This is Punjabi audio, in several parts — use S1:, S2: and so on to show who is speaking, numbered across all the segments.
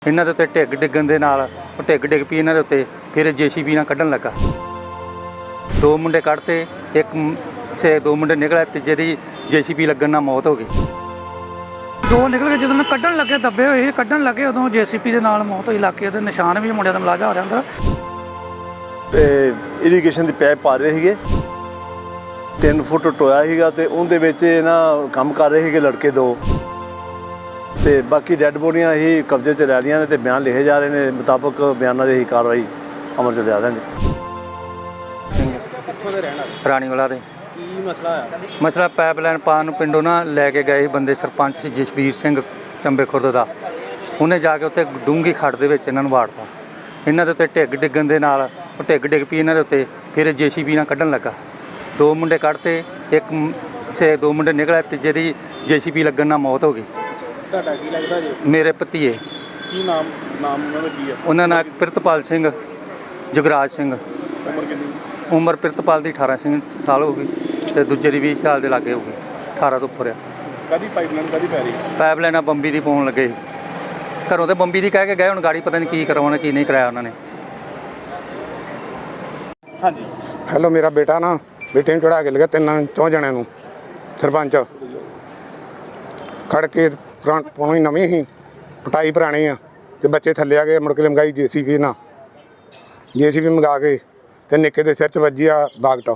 S1: ਇਹਨਾਂ ਦੇ ਉੱਤੇ ਢਿੱਗ ਡਿੱਗਣ ਦੇ ਨਾਲ ਉਹ ਢਿੱਗ ਡਿੱਗ ਪਈ ਇਹਨਾਂ ਦੇ ਉੱਤੇ। ਫਿਰ JCB ਨਾਲ ਕੱਢਣ ਲੱਗਾ। 2 ਮੁੰਡੇ ਕੱਢਤੇ, ਦੋ ਮੁੰਡੇ ਨਿਕਲੇ ਤੇ ਜਿਹੜੀ JCB ਲੱਗਣ ਨਾਲ ਮੌਤ ਹੋ ਗਈ।
S2: 2 ਨਿਕਲ ਕੇ ਜਦੋਂ ਕੱਢਣ ਲੱਗੇ, ਦੱਬੇ ਹੋਏ ਕੱਢਣ ਲੱਗੇ, ਉਦੋਂ JCB ਦੇ ਨਾਲ ਮੌਤ ਹੋਈ। ਇਲਾਕੇ ਦੇ ਨਿਸ਼ਾਨ ਵੀ ਮੁੰਡਿਆਂ ਦਾ ਮਲਾਜਾ ਹੋ ਰਿਹਾ ਅੰਦਰ।
S3: ਤੇ ਇਰੀਗੇਸ਼ਨ ਦੀ ਪਾਈਪ ਪਾ ਰਹੇ ਸੀਗੇ, 3 ਫੁੱਟ ਟੋਇਆ ਸੀਗਾ ਤੇ ਉਹਦੇ ਵਿੱਚ ਨਾ ਕੰਮ ਕਰ ਰਹੇ ਸੀਗੇ ਲੜਕੇ 2 ਤੇ ਬਾਕੀ ਡੈੱਡ ਬੋਡੀਆਂ ਹੀ ਕਬਜ਼ੇ 'ਚ ਲੈ ਲਈਆਂ ਨੇ ਤੇ ਬਿਆਨ ਲਿਖੇ ਜਾ ਰਹੇ ਨੇ। ਮੁਤਾਬਕ ਬਿਆਨਾਂ ਦੀ ਹੀ ਕਾਰਵਾਈ ਅਮਲ 'ਚ ਲਿਆ ਦਾਂਗੇ।
S1: ਕਿੱਥੋਂ ਦੇ ਰਹਿਣ ਵਾਲੇ? ਰਾਣੀਵਾਲਾ ਦੇ।
S3: ਕੀ ਮਸਲਾ ਹੈ?
S1: ਮਸਲਾ ਪਾਈਪਲਾਈਨ ਪਾਉਣ ਨੂੰ ਪਿੰਡੋਂ ਨਾ ਲੈ ਕੇ ਗਏ ਬੰਦੇ, ਸਰਪੰਚ ਸੀ ਜਸਬੀਰ ਸਿੰਘ ਚੰਬੇ ਖੁਰਦ ਦਾ। ਉਹਨੇ ਜਾ ਕੇ ਉੱਥੇ ਡੂੰਘੀ ਖੱਡ ਦੇ ਵਿੱਚ ਇਹਨਾਂ ਨੂੰ ਵਾੜਤਾ। ਇਹਨਾਂ ਦੇ ਉੱਤੇ ਢਿੱਗ ਡਿੱਗਣ ਦੇ ਨਾਲ ਉਹ ਢਿੱਗ ਡਿੱਗ ਪਈ ਇਹਨਾਂ ਦੇ ਉੱਤੇ। ਫਿਰ JCB ਨਾਲ ਕੱਢਣ ਲੱਗਾ। 2 ਮੁੰਡੇ ਕੱਢਤੇ, 2 ਮੁੰਡੇ ਨਿਕਲੇ ਤੇ ਜਿਹੜੀ JCB ਲੱਗਣ ਨਾਲ ਮੌਤ ਹੋ ਗਈ।
S3: ਤੁਹਾਡਾ ਕੀ ਲੱਗਦਾ ਜੀ?
S1: ਮੇਰੇ ਭਤੀਏ।
S3: ਕੀ ਨਾਮ ਉਹਨਾਂ ਦਾ ਕੀ ਹੈ?
S1: ਉਹਨਾਂ ਨਾਲ ਪ੍ਰਿਤਪਾਲ ਸਿੰਘ, ਜਗਰਾਜ ਸਿੰਘ।
S3: ਉਮਰ ਕਿੰਨੀ?
S1: ਉਮਰ ਪ੍ਰਿਤਪਾਲ ਦੀ 18 ਸਾਲ ਹੋ ਗਈ ਤੇ ਦੂਜੇ ਦੀ 20 ਸਾਲ ਦੇ ਲਾਗੇ ਹੋ ਗਈ। 18 ਤੋਂ ਉੱਪਰ ਆ।
S3: ਕਾਹਦੀ ਪਾਈਪਲਾਈਨ ਕਾਹਦੀ ਪੈ ਰਹੀ?
S1: ਪਾਈਪਲਾਈਨ ਆ ਬੰਬੀ ਦੀ ਪਾਉਣ ਲੱਗੇ। ਘਰੋਂ ਤੇ ਬੰਬੀ ਦੀ ਕਹਿ ਕੇ ਗਏ, ਹੁਣ ਗਾੜੀ ਪਤਾ ਨਹੀਂ ਕੀ ਕਰਵਾਉਣਾ ਕੀ ਨਹੀਂ ਕਰਾਇਆ ਉਹਨਾਂ ਨੇ।
S3: ਹਾਂਜੀ।
S4: ਹੈਲੋ, ਮੇਰਾ ਬੇਟਾ ਨਾ ਬੇਟੇ ਨੂੰ ਚੜਾ ਕੇ ਲਗਾ 3 ਜਣਿਆਂ ਨੂੰ। ਸਰਪੰਚ ਖੜ ਕੇ ਪੁਰਾਣੀ ਨਵੀਂ ਹੀ ਪਟਾਈ ਪੁਰਾਣੀ ਆ ਤੇ ਬੱਚੇ ਥੱਲੇ ਆ ਗਏ। ਮੁੜ ਕੇ ਲੰਗਾਈ JCB ਨਾਲ, JCB ਮੰਗਾ ਕੇ ਤੇ ਨਿੱਕੇ ਦੇ ਸਿਰ 'ਚ ਵੱਜੀ ਆ ਬਾਗਟਾ।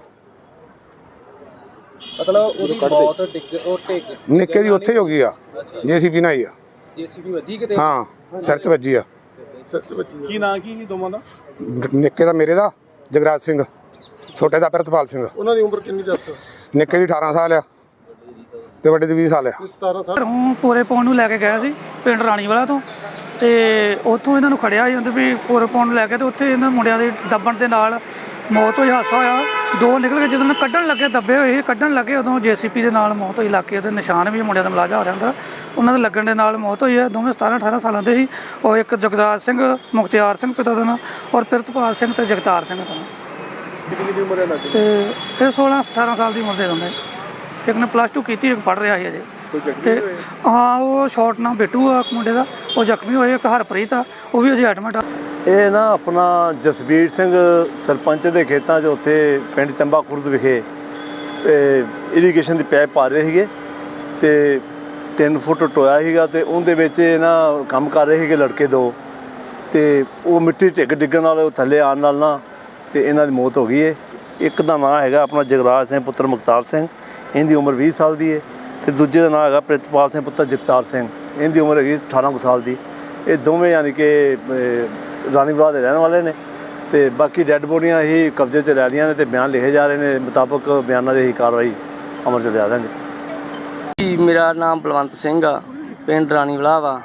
S3: ਮਤਲਬ ਉਹਦੀ ਮੌਤ
S4: ਨਿੱਕੇ ਦੀ ਉੱਥੇ ਹੋ ਗਈ ਆ, JCB ਨਾਲ ਹੀ ਆ।
S3: JCB ਵੱਜੀ ਕਿਤੇ?
S4: ਹਾਂ, ਸਿਰ 'ਚ ਵੱਜੀ ਆ।
S3: ਕੀ ਨਾਂ ਕੀ ਸੀ ਦੋਵਾਂ ਦਾ?
S4: ਨਿੱਕੇ ਦਾ ਮੇਰੇ ਦਾ ਜਗਰਾਜ ਸਿੰਘ, ਛੋਟੇ ਦਾ ਪ੍ਰਿਤਪਾਲ ਸਿੰਘ।
S3: ਉਹਨਾਂ ਦੀ ਉਮਰ ਕਿੰਨੀ ਦੱਸ?
S4: ਨਿੱਕੇ ਦੀ 18 ਸਾਲ ਆ ਤੇ ਵੱਡੇ ਦੀ 20 ਸਾਲ ਆ।
S3: 17 ਸਾਲ।
S2: ਪੂਰੇ ਪਾਉਣ ਨੂੰ ਲੈ ਕੇ ਗਿਆ ਸੀ ਪਿੰਡ ਰਾਣੀਵਾਲਾ ਤੋਂ, ਤੇ ਉੱਥੋਂ ਇਹਨਾਂ ਨੂੰ ਖੜਿਆ ਸੀ ਵੀ ਪੂਰੇ ਪਾਉਣ ਨੂੰ ਲੈ ਕੇ, ਤੇ ਉੱਥੇ ਇਹਨਾਂ ਮੁੰਡਿਆਂ ਦੇ ਦੱਬਣ ਦੇ ਨਾਲ ਮੌਤ ਹੋਈ। ਹਾਦਸਾ ਹੋਇਆ। 2 ਨਿਕਲ ਕੇ ਜਦੋਂ ਕੱਢਣ ਲੱਗੇ, ਦੱਬੇ ਹੋਏ ਕੱਢਣ ਲੱਗੇ, ਉਦੋਂ JCB ਦੇ ਨਾਲ ਮੌਤ ਹੋਈ। ਇਲਾਕੇ ਦੇ ਨਿਸ਼ਾਨ ਵੀ ਮੁੰਡਿਆਂ ਦਾ ਮਲਾਜਾ ਹੋ ਰਿਹਾ ਅੰਦਰ। ਉਹਨਾਂ ਦੇ ਲੱਗਣ ਦੇ ਨਾਲ ਮੌਤ ਹੋਈ ਹੈ। ਦੋਵੇਂ 17-18 ਸਾਲਾਂ ਦੇ ਸੀ। ਉਹ ਇੱਕ ਜਗਰਾਜ ਸਿੰਘ, ਮੁਖਤਿਆਰ ਸਿੰਘ ਪਿਤਾ ਦਾ ਨਾਂ, ਔਰ ਪ੍ਰਿਤਪਾਲ ਸਿੰਘ ਤੇ ਜਗਤਾਰ ਸਿੰਘ ਦਾ ਨਾਂ।
S3: ਕਿੰਨੀ ਉਮਰ ਹੈ?
S2: ਤੇ ਇਹ 16-18 ਸਾਲ ਦੀ ਉਮਰ ਦੇ ਦੋਨੇ। ਇੱਕ ਨੇ +2 ਕੀਤੀ, ਇੱਕ ਪੜ੍ਹ ਰਿਹਾ ਸੀ ਅਜੇ। ਤੇ ਹਾਂ, ਉਹ ਸ਼ਾਰਟ ਨਾਲ ਬੇਟੂ ਆ ਮੁੰਡੇ ਦਾ, ਉਹ ਜ਼ਖਮੀ ਹੋਏ। ਇੱਕ ਹਰਪ੍ਰੀਤ ਆ, ਉਹ ਵੀ ਅਜੇ ਐਡਮਿਟ ਆ।
S3: ਇਹ ਨਾ ਆਪਣਾ ਜਸਬੀਰ ਸਿੰਘ ਸਰਪੰਚ ਦੇ ਖੇਤਾਂ 'ਚ ਉੱਥੇ ਪਿੰਡ ਚੰਬਾ ਖੁਰਦ ਵਿਖੇ ਇਰੀਗੇਸ਼ਨ ਦੀ ਪਾਈਪ ਪਾ ਰਹੇ ਸੀਗੇ ਤੇ 3 ਫੁੱਟ ਟੋਇਆ ਸੀਗਾ ਤੇ ਉਹਦੇ ਵਿੱਚ ਨਾ ਕੰਮ ਕਰ ਰਹੇ ਸੀਗੇ ਲੜਕੇ 2 ਤੇ ਉਹ ਮਿੱਟੀ ਢਿੱਗ ਡਿੱਗਣ ਨਾਲ ਥੱਲੇ ਆਉਣ ਨਾਲ ਨਾ ਤੇ ਇਹਨਾਂ ਦੀ ਮੌਤ ਹੋ ਗਈ ਹੈ। ਇੱਕ ਦਾ ਨਾਂ ਹੈਗਾ ਆਪਣਾ ਜਗਰਾਜ ਸਿੰਘ ਪੁੱਤਰ ਮੁਖਤਾਰ ਸਿੰਘ, ਇਹਦੀ ਉਮਰ 20 ਸਾਲ ਦੀ ਹੈ ਤੇ ਦੂਜੇ ਦਾ ਨਾਂ ਹੈਗਾ ਪ੍ਰਿਤਪਾਲ ਸਿੰਘ ਪੁੱਤਰ ਜਗਤਾਰ ਸਿੰਘ, ਇਹਦੀ ਉਮਰ ਹੈਗੀ 18 ਕੁ ਸਾਲ ਦੀ। ਇਹ ਦੋਵੇਂ ਯਾਨੀ ਕਿ ਰਾਣੀਵਾਲਾ ਦੇ ਰਹਿਣ ਵਾਲੇ ਨੇ ਤੇ ਬਾਕੀ ਡੈੱਡ ਬੋਡੀਆਂ ਹੀ ਕਬਜ਼ੇ 'ਚ ਲੈ ਲਈਆਂ ਨੇ ਤੇ ਬਿਆਨ ਲਿਖੇ ਜਾ ਰਹੇ ਨੇ। ਮੁਤਾਬਕ ਬਿਆਨਾਂ ਦੀ ਹੀ ਕਾਰਵਾਈ ਅਮਲ 'ਚ ਲਿਆ ਦਾਂਗੇ।
S5: ਮੇਰਾ ਨਾਮ ਬਲਵੰਤ ਸਿੰਘ ਆ, ਪਿੰਡ ਰਾਣੀਵਾਲਾ ਵਾ।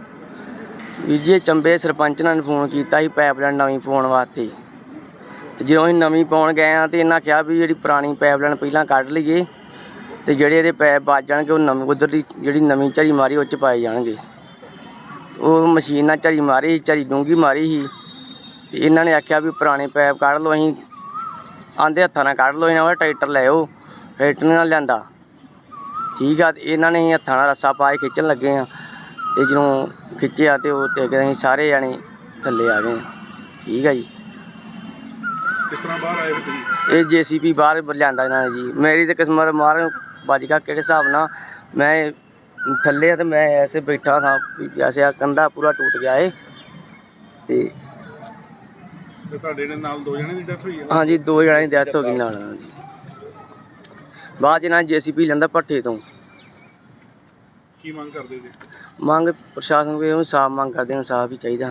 S5: ਜੀ ਚੰਬੇ ਸਰਪੰਚ ਨੇ ਫੋਨ ਕੀਤਾ ਸੀ ਪਾਈਪਲਾਈਨ ਨਵੀਂ ਪਾਉਣ ਵਾਸਤੇ, ਤੇ ਜਦੋਂ ਅਸੀਂ ਨਵੀਂ ਪਾਉਣ ਗਏ ਹਾਂ ਤੇ ਇਹਨਾਂ ਕਿਹਾ ਵੀ ਜਿਹੜੀ ਪੁਰਾਣੀ ਪਾਈਪਲਾਈਨ ਪਹਿਲਾਂ ਕੱਢ ਲਈਏ ਤੇ ਜਿਹੜੇ ਇਹਦੇ ਪੈਪ ਵੱਜ ਜਾਣਗੇ ਉਹ ਨਵੀਂ ਉੱਧਰ ਦੀ ਜਿਹੜੀ ਨਵੀਂ ਝਰੀ ਮਾਰੀ ਉਹ 'ਚ ਪਾਏ ਜਾਣਗੇ। ਉਹ ਮਸ਼ੀਨ ਨਾਲ ਝਰੀ ਮਾਰੀ, ਝਰੀ ਡੂੰਘੀ ਮਾਰੀ ਸੀ ਤੇ ਇਹਨਾਂ ਨੇ ਆਖਿਆ ਵੀ ਪੁਰਾਣੇ ਪੈਪ ਕੱਢ ਲਓ। ਅਸੀਂ ਆਂਦੇ ਹੱਥਾਂ ਨਾਲ ਕੱਢ ਲਓ, ਇਹਨਾਂ ਦਾ ਟਰੈਕਟਰ ਲੈ ਆਓ। ਟਰੈਕਟਰ ਨਾਲ ਲਿਆਂਦਾ, ਠੀਕ ਆ। ਤੇ ਇਹਨਾਂ ਨੇ ਹੱਥਾਂ ਨਾਲ ਰੱਸਾ ਪਾ ਕੇ ਖਿੱਚਣ ਲੱਗੇ ਆ ਤੇ ਜਦੋਂ ਖਿੱਚਿਆ ਤੇ ਉਹ ਟਿਕ ਅਸੀਂ ਸਾਰੇ ਜਾਣੇ ਥੱਲੇ ਆ ਗਏ। ਠੀਕ ਆ ਜੀ।
S3: ਕਿਸ ਤਰ੍ਹਾਂ ਬਾਹਰ ਆਏ ਤੁਸੀਂ?
S5: ਇਹ JCB ਬਾਹਰ ਲਿਆਂਦਾ ਇਹਨਾਂ ਨੇ ਜੀ। ਮੇਰੀ ਤਾਂ ਕਿਸਮਤ ਮਾਰ ਵੱਜ ਗਿਆ ਕਿਹੜੇ ਹਿਸਾਬ ਨਾਲ। ਮੈਂ ਥੱਲੇ ਆ ਤੇ ਮੈਂ ਐਸੇ ਬੈਠਾ ਸਾਂ, ਐਸੇ ਆ ਕੰਧਾ ਪੂਰਾ ਟੁੱਟ ਗਿਆ ਏ। ਤੇ
S3: ਤੁਹਾਡੇ ਨਾਲ 2 ਜਣੇ ਦੀ ਡੈਥ ਹੋਈ ਹੈ?
S5: ਹਾਂਜੀ, 2 ਜਣਿਆਂ ਦੀ ਡੈਥ ਹੋ ਗਈ ਨਾਲ ਜੀ। ਬਾਅਦ 'ਚ ਇਹਨਾਂ JCB ਲੈਂਦਾ ਭੱਠੇ ਤੋਂ।
S3: ਕੀ ਮੰਗ ਕਰਦੇ ਜੀ?
S5: ਮੰਗ ਪ੍ਰਸ਼ਾਸਨ ਕੋਲ ਇਨਸਾਫ ਮੰਗ ਕਰਦੇ, ਇਨਸਾਫ ਹੀ ਚਾਹੀਦਾ।